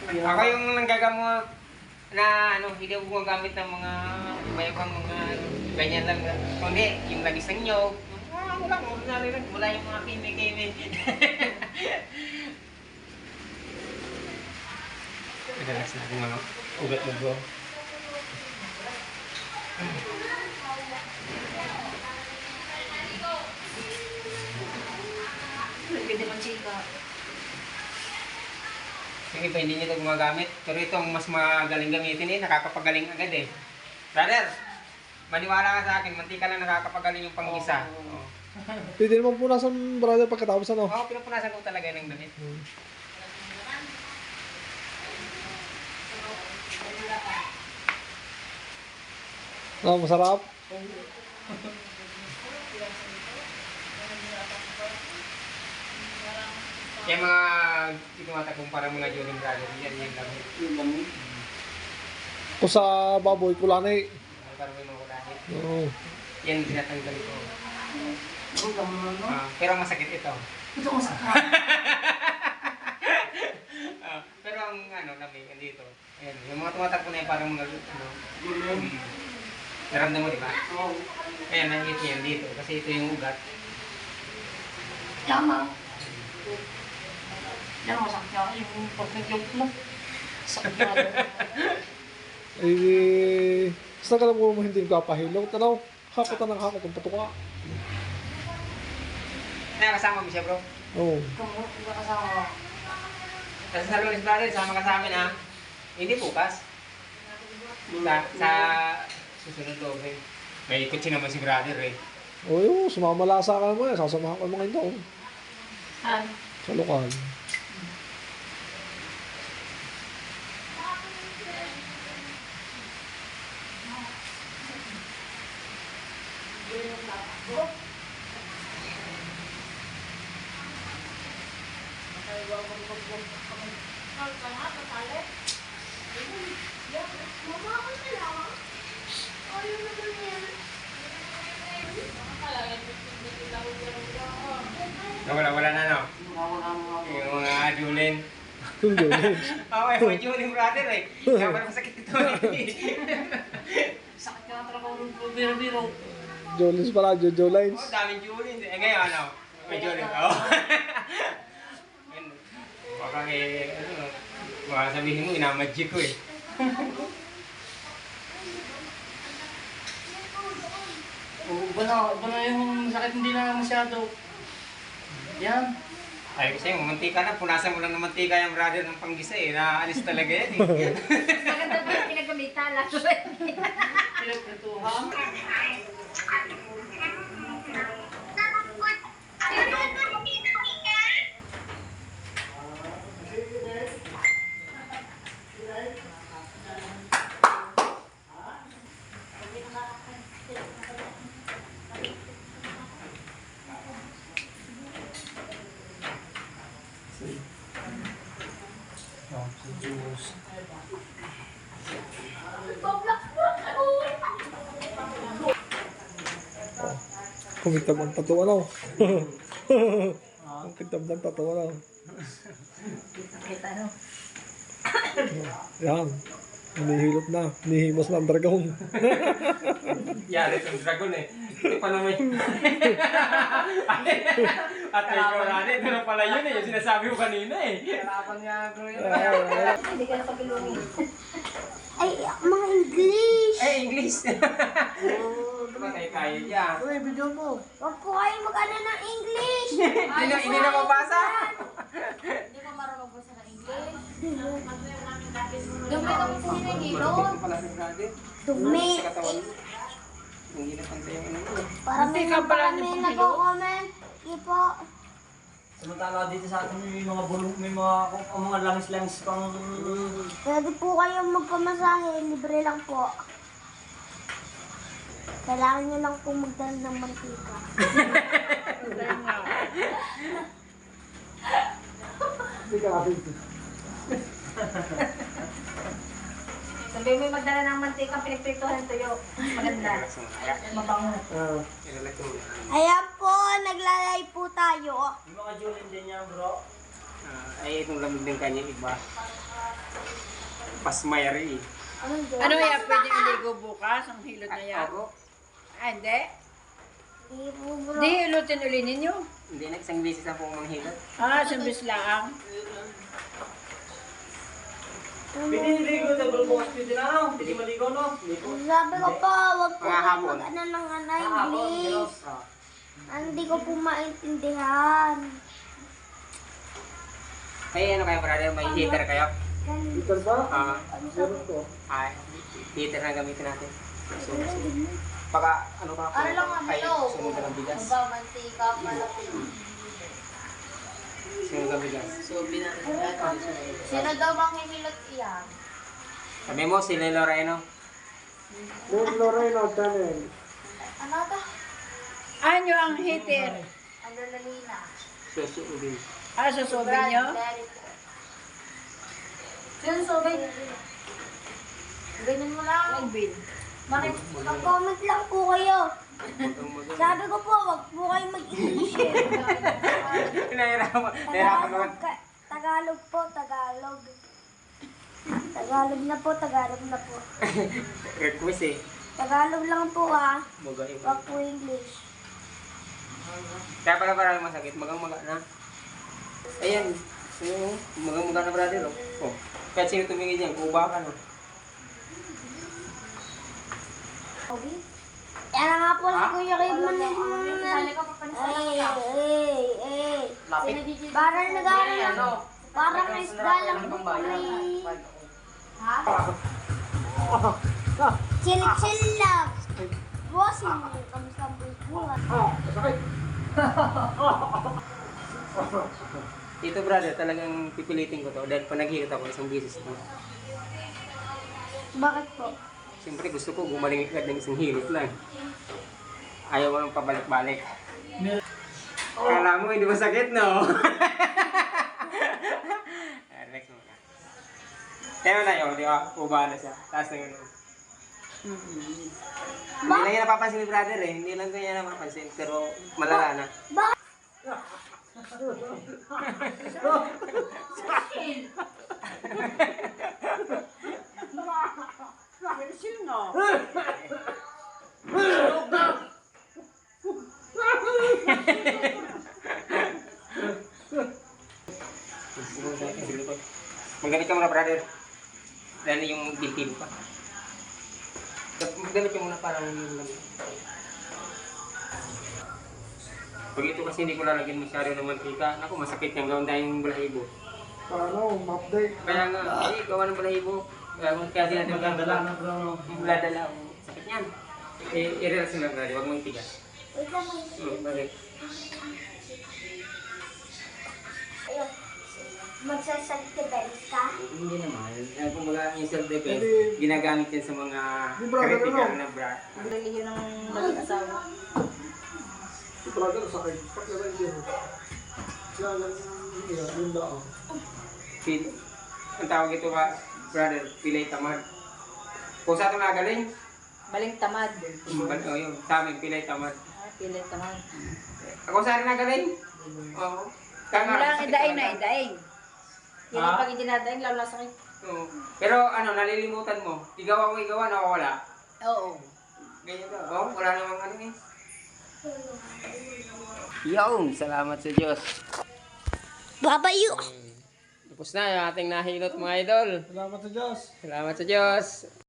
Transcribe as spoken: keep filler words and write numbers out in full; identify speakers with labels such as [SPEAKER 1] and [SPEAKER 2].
[SPEAKER 1] Ako yung nanggagamot na ano, hindi ako gumagamit ng mga iba-ibang mga ano, ganyan lang. Kundi, yung lagis ng nyog, ah, wala, wala rin, wala yung mga kimi-kimi. Madalas na yung mga ugat mo bro.
[SPEAKER 2] Ganda ng chika.
[SPEAKER 1] Yung iba hindi nito gumagamit, pero itong mas magaling gamitin eh, nakakapagaling agad eh. Brother, maniwala ka sa akin, mantika lang nakakapagaling yung panggisa. Oo.
[SPEAKER 3] Pwede naman punasan, brother, pagkatapos ano?
[SPEAKER 1] Oo, pinupunasan ko talaga ng damit.
[SPEAKER 3] Hmm. Ah, masarap.
[SPEAKER 1] Yung mga itinumatakong parang mga Joling Brother, yan yung damit.
[SPEAKER 3] Kung sa baboy, kulanay.
[SPEAKER 1] Parang may mga kulahit.
[SPEAKER 3] Oo.
[SPEAKER 1] Yan tinatanggal ko. Ah, pero masakit ito.
[SPEAKER 2] Ito ko sa
[SPEAKER 1] Ah, pero ang ano, lamig, dito. Ayan, yung mga tumatakbo na yan parang mga ano. Hmm. Naramdam mo, di ba?
[SPEAKER 2] Oo.
[SPEAKER 1] Ayan, nakikita niya yan dito. Kasi ito yung ugat.
[SPEAKER 2] Tama. Yan, masakit niya. Yung pag-joke mo. Sakit na.
[SPEAKER 3] Eh, basta ka lang mo hindi kapahilog. Tanaw, hakutan ng hakot, ang patuka.
[SPEAKER 1] Nakakasama mo siya, bro.
[SPEAKER 3] Oo.
[SPEAKER 2] Kung hindi kasama.
[SPEAKER 1] Kasi sa Lunes Brother, sama ka sa amin, ha? Hindi bukas. Sa, sa susunod loob, eh. May kutsi naman si brother, eh.
[SPEAKER 3] Oo, yun, sumamalasa ka naman. Sasamahan ka mga ito.
[SPEAKER 2] Saan?
[SPEAKER 3] Sa lokal.
[SPEAKER 1] Wala, wala na, no?
[SPEAKER 2] Wala mo ako.
[SPEAKER 1] Yung mga Julin.
[SPEAKER 3] Kung gawin.
[SPEAKER 1] Oo, yung mga Julin brother, eh. Kaya parang masakit ito, eh.
[SPEAKER 2] Sakit nga talaga ng biro-biro.
[SPEAKER 3] Jolines pala, Jojo Lines.
[SPEAKER 1] Oo, daming Julin. Eh, ngayon, ano? May Julin. Oo. Ayun. Baka eh, ano, baka sabihin mo, inamagic ko, eh.
[SPEAKER 2] Oo, iba na, iba na yung sakit hindi na masyado. Yan.
[SPEAKER 1] Ay, kasi yung mantika na, punasan mo lang ng mantika yung brother ng panggisa, eh. Naalis talaga yan, eh.
[SPEAKER 4] Maganda ba yung pinagamitan? Lato
[SPEAKER 2] Pinagprituhan.
[SPEAKER 3] Kumitab ang patuwa na. Ang kitab ng patuwa na.
[SPEAKER 4] Kita no?
[SPEAKER 3] Yan. Hinihilot na. Hinihimos na ang dragon.
[SPEAKER 1] Yari itong dragon, eh. Ito pa naman yung... At may korane, ito na pala yun, eh. Yung sinasabi mo kanina, eh.
[SPEAKER 2] Kalaban niya, bro. yun.
[SPEAKER 4] Hindi ka na pagilungin. Ay, mga English!
[SPEAKER 1] Eh, English! Kaya-kaya niya.
[SPEAKER 2] Uy, video mo.
[SPEAKER 4] Huwag po kayo mag-ano ng English!
[SPEAKER 1] Hindi na, hindi na mabasa.
[SPEAKER 4] Hindi ko marunong po sa English. Dumi ka po sa hinahilot.
[SPEAKER 1] Ito pala si brother.
[SPEAKER 4] Dumi.
[SPEAKER 1] Sa katawan mo. Ang ginat ang tayo ano mo.
[SPEAKER 4] Parang may
[SPEAKER 2] Hindi ka pala
[SPEAKER 4] kami
[SPEAKER 2] nagpapilo.
[SPEAKER 4] nag-comment. Hindi po.
[SPEAKER 5] Samantala dito sa atin may mga bulong, may mga kung mga langis-langis pang
[SPEAKER 4] Pwede po kayong magpamasahe. Libre lang po. Kailangan nyo lang po magdala ng mantika.
[SPEAKER 3] Hindi ka kapit.
[SPEAKER 4] Sabi mo magdala ng mantika, pinagpritohan tuyo. Maganda.
[SPEAKER 2] Mabango.
[SPEAKER 3] Ah,
[SPEAKER 4] Ayan po, naglalay po tayo.
[SPEAKER 5] yung mga Julin din yan bro.
[SPEAKER 1] Ah, ay, itong lamig ng kanya iba. pasmayari eh.
[SPEAKER 4] Anong doon?
[SPEAKER 6] Ano yan, pwede iligo bukas ang hilot na yan?
[SPEAKER 1] Ako,
[SPEAKER 6] Ah, hindi.
[SPEAKER 4] Di po bro.
[SPEAKER 6] Hindi hilutin uli ninyo.
[SPEAKER 1] hindi na isang beses na po akong manghilot.
[SPEAKER 6] Ah, sambis lang.
[SPEAKER 5] Pwede niligo sa bukas pwede na no? Pwede maligo no? Ligo.
[SPEAKER 4] Sabi ko po, wag po
[SPEAKER 1] Mga
[SPEAKER 4] kayo
[SPEAKER 1] hapon.
[SPEAKER 4] mag-ano ng anay,
[SPEAKER 5] Kahapon,
[SPEAKER 4] please.
[SPEAKER 1] Ah.
[SPEAKER 4] Hindi ko po maintindihan.
[SPEAKER 1] Ay, ano kayo brother? May heater kayo?
[SPEAKER 3] Peter ba?
[SPEAKER 1] Ah,
[SPEAKER 3] Meron ko.
[SPEAKER 1] ay, heater na gamitin natin. So, baka ano ka
[SPEAKER 4] Ano lang ang
[SPEAKER 1] ay,
[SPEAKER 4] bilo?
[SPEAKER 1] sunog ka ng bigas.
[SPEAKER 4] Ba, mantika pala po.
[SPEAKER 1] Sunog ang bigas.
[SPEAKER 4] Sino daw bang himilot iyan?
[SPEAKER 1] Sabi mo, si Lelo Reno.
[SPEAKER 3] Lord Loreno, Daniel.
[SPEAKER 4] Ano to?
[SPEAKER 6] Anyo ang heater?
[SPEAKER 4] Adrenalina.
[SPEAKER 1] Susunugin.
[SPEAKER 6] Ah, susubi nyo?
[SPEAKER 4] Sino sobay? Ganyan mo lang.
[SPEAKER 6] Ang bin.
[SPEAKER 4] Bakit? Mag-comment lang po kayo.
[SPEAKER 1] Mugang mugang.
[SPEAKER 4] Sabi ko po, wag po kayo mag-English eh.
[SPEAKER 1] Nahirapan nahirapan naman.
[SPEAKER 4] Tagalog, ka- Tagalog po, Tagalog. Tagalog na po, Tagalog na po.
[SPEAKER 1] Request eh.
[SPEAKER 4] Tagalog lang po ah.
[SPEAKER 1] Mugang
[SPEAKER 4] Wag po English.
[SPEAKER 1] Kaya pala parang masakit. Magang maga na. Ayan. So, magang maga na brother. Oh. Oh. Kahit sino tumingin dyan, kuba ka no.
[SPEAKER 4] Okay? Yan na nga po si Kuya Rib man Ay, ay, ay.
[SPEAKER 5] Lapit.
[SPEAKER 4] Parang nag-aaral lang. Parang isda lang po kami. Ha? Chill-chill lang. Bossing, kamusta ang buhay?
[SPEAKER 3] Ah, sakit.
[SPEAKER 1] Ito brother, talagang pipilitin ko to dahil pa naghihilot ako isang beses to.
[SPEAKER 4] Bakit po?
[SPEAKER 1] Siyempre gusto ko gumaling agad ng isang hilot lang. Ayaw mo nang pabalik-balik. Kala mo hindi masakit, no? Relax mo na. Kaya na yun, di ba? Uba na siya. Taas na yun. Hindi lang yan napapansin ni brother eh. Hindi lang kanya napapansin. Pero malala na.
[SPEAKER 6] Sino?
[SPEAKER 1] Magganit ka muna brother. Dahil yung binti mo pa. Magganit ka muna para yung lamig. Pag ito kasi hindi ko lalagyan masyado ng mantika, naku masakit yung gawin dahil yung balahibo.
[SPEAKER 3] Paano, ma-update?
[SPEAKER 1] Kaya nga, eh, gawa ng balahibo. Kaya kaya din natin
[SPEAKER 5] Magandala na bro.
[SPEAKER 1] yung buladala. Sakit niyan. Eh, i-relax mo lang brother, huwag mong tigas.
[SPEAKER 4] Wait lang, wait lang.
[SPEAKER 1] Hmm, bakit?
[SPEAKER 4] Ayun. Magsasaltibels ka?
[SPEAKER 1] Hindi naman. Eh, kumbaga yung self-defense,
[SPEAKER 3] Hindi.
[SPEAKER 1] ginagamit yan sa mga
[SPEAKER 3] Yung brother,
[SPEAKER 1] critical
[SPEAKER 3] ano?
[SPEAKER 1] na bra.
[SPEAKER 6] Relihiyon ng mag-asawa.
[SPEAKER 3] Si brother, sakit. Paglabay din. Kaya lang, yun, yun lang.
[SPEAKER 1] Pil- ang tawag ito ka, brother, pilay tamad. Kung sa ito nagaling,
[SPEAKER 6] Baling tamad.
[SPEAKER 1] bal- oh, yun, sa amin, pilay tamad.
[SPEAKER 6] Ah, pilit tamad.
[SPEAKER 1] Ako sa rin nagaling? Oo. Tama,
[SPEAKER 6] Wala ang
[SPEAKER 1] sakit
[SPEAKER 6] idaing
[SPEAKER 1] talaga.
[SPEAKER 6] na idaing. Yan ang pag itinadaing, lalo na sakit.
[SPEAKER 1] Oo. Pero ano, nalilimutan mo. Igawa mo igawa, nakawala.
[SPEAKER 6] Oo.
[SPEAKER 1] Ganyan ba? Oh, wala namang ano eh. Yung, salamat sa Diyos.
[SPEAKER 4] Babayo!
[SPEAKER 1] Tapos na yung ating nahilot mga idol.
[SPEAKER 3] Salamat sa Diyos.
[SPEAKER 1] Salamat sa Diyos.